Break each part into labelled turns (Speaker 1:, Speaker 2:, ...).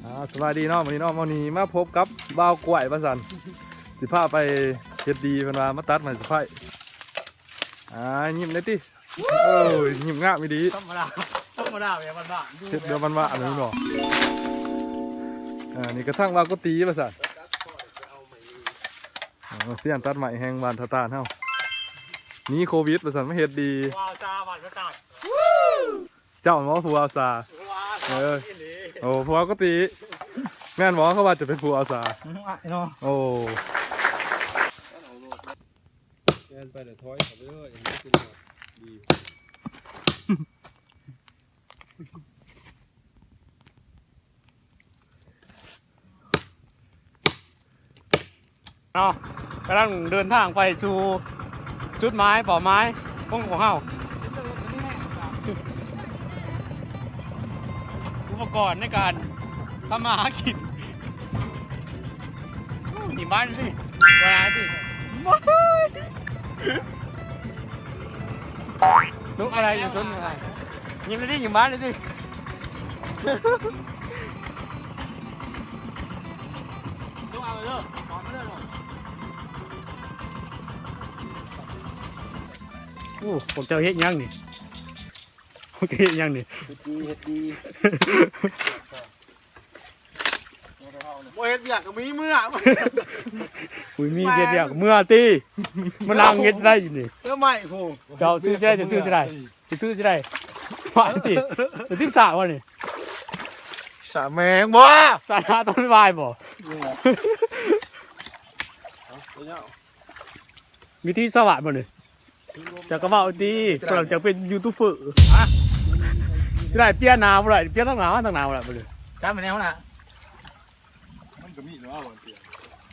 Speaker 1: สวัสดีเนาะวันนี้เนาะวันนี้มาพบกับบ่าวกล้วยบ้านสันสิพาไปเฮ็ดดีเพิ่นว่ามาตัดไม้สิไฟยิ้มได้ติโอ้ยยิ้มงามอีดี
Speaker 2: ธรรมดาแบบบ้าน
Speaker 1: เฮ็ดเดี๋ยวมันว่าอันนี้เนาะนี่กระทั่งว่าก็ตีบ้านสันเสียนตัดไม้แห้งบ้านทาตานเฮานี่โควิดบ้านสันมาเฮ็ดดี
Speaker 2: ๆว้าวจ้าบ้านก็ตัด
Speaker 1: เจ้าหมอผู้อาสาโอ้ผู้ก็ตีแม่นหมอเขาว่าจะเป็นผู้อาสาโอ้
Speaker 3: แกนไปเดี๋ยวถอยเขาไปเลยอย่างนี้กินดี
Speaker 2: กำลังเดินทางไปสู่จุดไม้เป่าไม้ของเฮาอุปกรณ์ในการทำมาหากินหนีบ้านสิวาสิลุกอะไรอยู่ซุนอะไรยิ้มเลยดิยิ้มบ้านเลยดิลุกเอาเลยขอมาเลยโอ้ผมจะเฮ็ดยังนี่ผมจะเฮ็ดยังนี่
Speaker 3: เฮ็ดดีโมเฮ็ดอยากกับมีเมื่อ
Speaker 2: อุ้ยมีเฮ็ดอยากเมื่อตีมันนั่งเฮ็ดได้อยู่นี่
Speaker 3: แล้วไม่โห
Speaker 2: เจ้าซื้อจะได้จะซื้อจะได้จะซื้อจะได้ว่าตีจะทิ้งสาวะนี่
Speaker 3: สาแมงบ่
Speaker 2: สาราต้องวายบ่มีที่สวัสดิ์บ่นี่จะกระเป๋าดีกำลังจะเป็นยูทูบเบอร์จะได้เปลี่ยนหนาวบ่ได้เปลี่ยนตั้งหนาวบ่ได้บ่เลยจ้าเป็นแนวน่ะ
Speaker 3: มันก็มีเนาะวันเปลี่ยน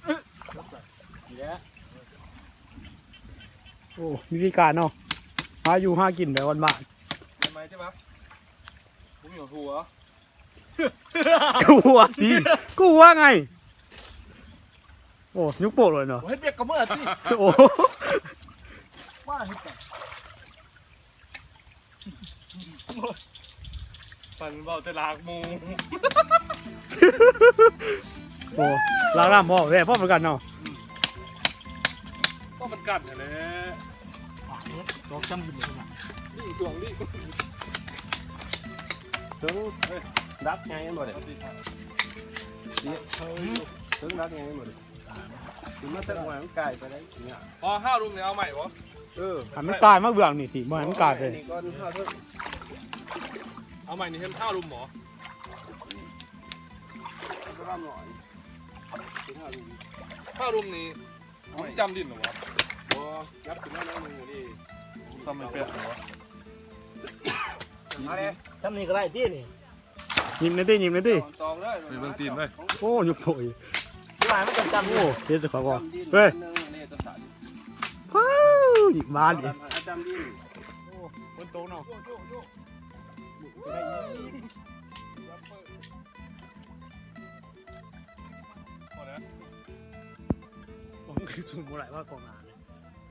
Speaker 2: โอ้มีวิธีการเนาะหาอยู่หากินแบบวันบ้าน
Speaker 3: ทำไมใช่ปะผมอยู่หัว
Speaker 2: กูว่าดีกูว่าไงโอ้ยุกโปกเลยเนาะ
Speaker 3: เฮ็ดเบียกกับเมื่อสิ
Speaker 2: โอ้
Speaker 3: ว่าเฮ็ดกันปันเบาจะลากมู
Speaker 2: โอ้ล้างน้ำพ่อแม่พ่อเหมือนกันเนาะ
Speaker 3: ก็มันกัดนั่นแหละ
Speaker 2: ดอกจำกินเลยนะ
Speaker 3: นี่ช่วงนี้ถึงดักไงหมดเลยถึงดักไงหมดเลยถึงมาตั้งหวานไก่ไปได้เนี่ย
Speaker 1: พอห้ารุมเนี่ยเอาใหม่บ่
Speaker 2: หันมันกลายมาเบื่อนี่สิมันกลายเลย
Speaker 1: เอาใหม่นี่เห็นห้ารุมหมอห้ารุมนี่มันจำดินหรอวะ
Speaker 3: บ่ยับถึงแล้วนึงอยู่ดิ
Speaker 1: ซ้ำไม่เป๊ะหรอวะ
Speaker 3: มาเลย
Speaker 2: จำนี่ก็ได้ที่นี่ยิ้มเลยดิยิ้มเลยดิ
Speaker 3: ตองเลย
Speaker 1: ไปเบิ่งตีนเลย
Speaker 2: โอ้ยุกโผล่ที่ไหนมันจำโอ้เดี๋ยวจะขอบอกเฮ้ยว้าวอีกบ้านดิ
Speaker 3: จำดิน
Speaker 2: โอ้บนโต๊ะเนาะผมคือจุ่มอะไรว่ากองงานเลย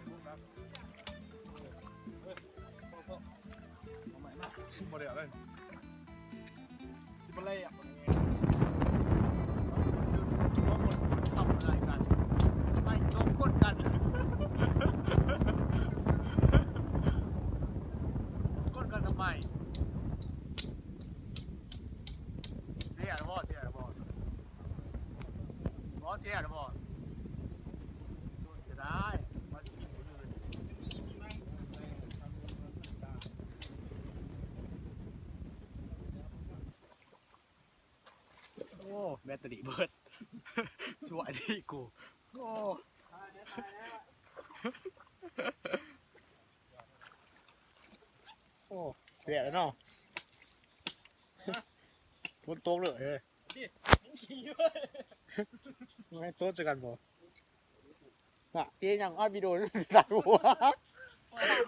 Speaker 1: โมเดลเลย
Speaker 2: ที่มันเล่อะทำอะไรกันไม่โดนกดกันกดกันทำไมเสียหรือเปล่าเสียหรือเปล่าเสียหรือเปล่าจะได้โอ้แบตเตอรี่เบิดสวยดีกูโอ้โอ้เสียแล้วเนาะพ้นโต๊ะเลยเฮ้ยไม่โต๊ะจะกันบ่น่ะเอ๊ยยังอัดวิดีโอตัดหัว